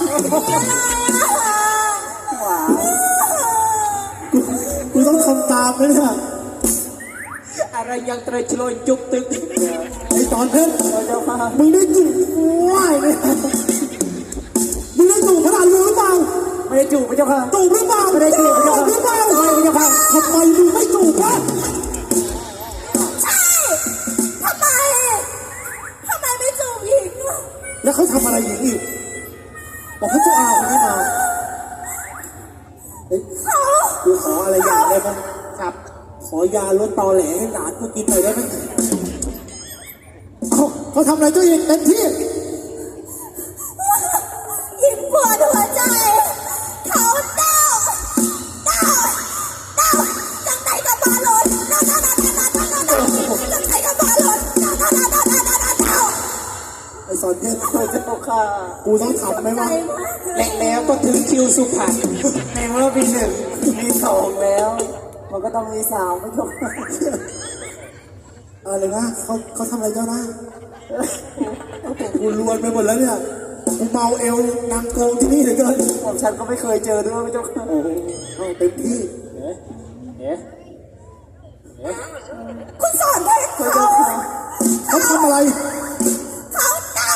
กูต้องทำตามเลยเนี่ยอะไรยังเตยชลอยจุกตึกไอ้ตอนเพชรมึงได้จูบว่ายเลยมึงได้จูบขนาดรู้หรือเปล่าไม่ได้จูบพระเจ้าค่ะจูบหรือเปล่าไม่ได้จูบพระเจ้าค่ะหรือเปล่าไม่พระเจ้าค่ะทำไมมึงไม่จูบวะใช่ทำไมไม่จูบอีกแล้วเขาทำอะไรอย่างนี้บอกพระเจ้าอาคนนี้มากูขออะไรอย่างได้ไหมครับขอยาลดตอแหลให้หลานกูกินหน่อยได้ไหมเขาทำอะไรตัวเองเต็มที่ยิ่งปวดหัวใจเขาเดาจังไหนก็มาหล่นจังไหนก็มาหล่นไอ้สอนเพชรเจ้าค่ะกูต้องทำไหมวะแล้วก็ถึงคิวสุพรรณในเมื่อปี1ปี2แล้วมันก็ต้องมี3ไม่ถูกอะไรนะเขาทำอะไรเจ้านะกูรวนไปหมดแล้วเนี่ยกูเมาเอวนางโกงที่นี่เหลือเกินผมฉันก็ไม่เคยเจอด้วยไม่เจ้าค่ะเต็มที่คุณสอนเพชรเขาทำอะไรเขาเดา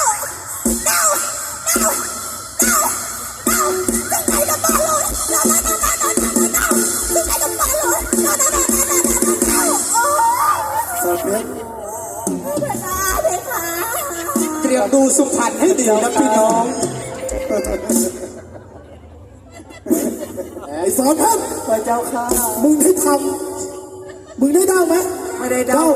จังไหนก็มาหล่นจังไหนก็มาหล่นสอนเพชรเตรียมดูสุพรรณให้ดีนะพี่น้องไอ้สอนเพชรพระเจ้าค่ะมึงได้ทำมึงได้เดาไหมไม่ได้เดา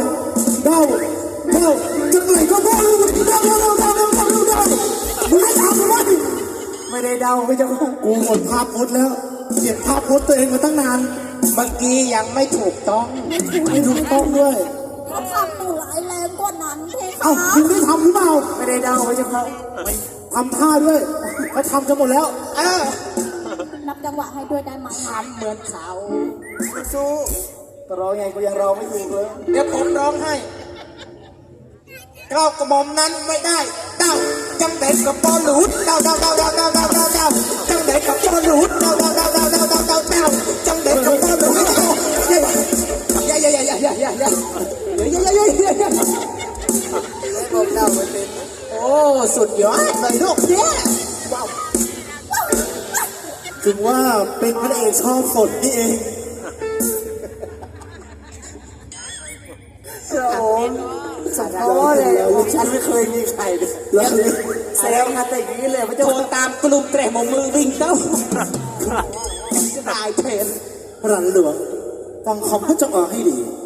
จังไหนก็มาหล่นเดามึงได้ทำไหมไม่ได้เดาพระเจ้าค่ะกูหมดภาพพจน์แล้วเก็บภาพพจน์ตัวเองมาตั้งนานเมื่อกี้ยังไม่ถูกต้องไม่ถูกต้องด้วยเขาทำตัวร้ายแรงกว่านั้นเพคะมึงได้ทำหรือเปล่าไม่ได้เดาพระเจ้าค่ะทำท่าด้วยเขาทำกันหมดแล้วนับจังหวะให้ด้วยได้ไหมทำเหมือนเขาสู้ร้องไงกูยังร้องไม่ถูกเลยเดี๋ยวผมร้องให้ก้าวกระหม่อมนั้นไม่ได้เต้าจังเด็กกับปอหลุดเต้าจังเด็กกับปอหลุดเต้าจังเด็กกับปอหลุดโอ้สุดยอดเลยลูกเนี่ยว้าวถึงว่าเป็นพระเอกชอบฝนนี่เองโอ้สมโภชเลยฉันไม่เคยมีใครเลยแซวมาแต่อย่างนี้เลยพระเจ้าโทรตามกลุ่มแตะมือวิ่งเต้าจะตายเพลนพระหลวงฟังคำพระเจ้าอาให้ดี